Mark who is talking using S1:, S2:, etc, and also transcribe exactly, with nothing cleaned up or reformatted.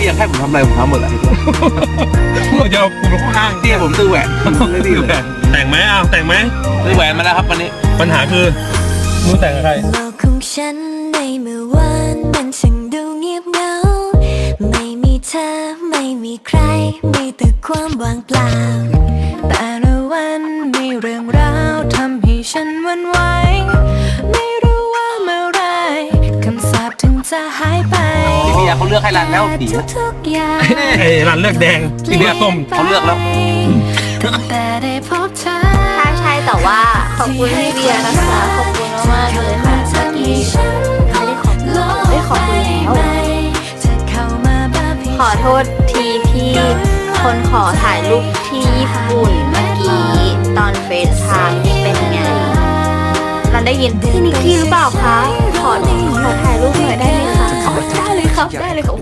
S1: พี่อยากให้ผมทำอะไรผมทำหมดแหละ
S2: ผมจะเอาคุณไปข้างล่าง
S1: พี่ให้ผมซื้อแหวนไม่ดีเลย
S2: แต่งไหมอ้าวแต่งไหม
S1: ซื้อแหวนมาแล้วครับวันนี้
S2: ปัญหาคือมึงแต่งกับใคร
S3: โลกของฉันในเมื่อวานมันช่างดูเงียบเหงาไม่มีเธอไม่มีใครมีแต่ความว่างเปล่าแต่ละวันมีเรื่องราวทำให้ฉันหวั่นไหวไม่รู้ว่าเมื่อไรคำสาปถึงจะหายไป
S1: พี่เบียร์เขาเลือกให้ร้านแล้วสีนะ
S3: ทุกๆอย่าง
S2: ไอ้ร้านเลือกแดงที่เลือกส้ม
S1: เขาเลือกแล้ว
S3: ตั้งแต่ได้พบเธอ
S4: ใช่ใช่แต่ว่าขอบคุณพี่เบียร์นะคะขอบคุณมากๆเลยค่ะเมื่อกี้ไม่ได้ขอบคุณไม่ขอบคุณแล้วขอโทษทีพี่คนขอถ่ายรูปที่ญี่ปุ่นเมื่อกี้ตอนเฟซไทม์นี่เป็นไงเราได้ยินพี่นิกกี้หรือเปล่าคะขอขอถ่ายรูปหน่อยได้ไหมคะได้เลยครับได้เลยครับ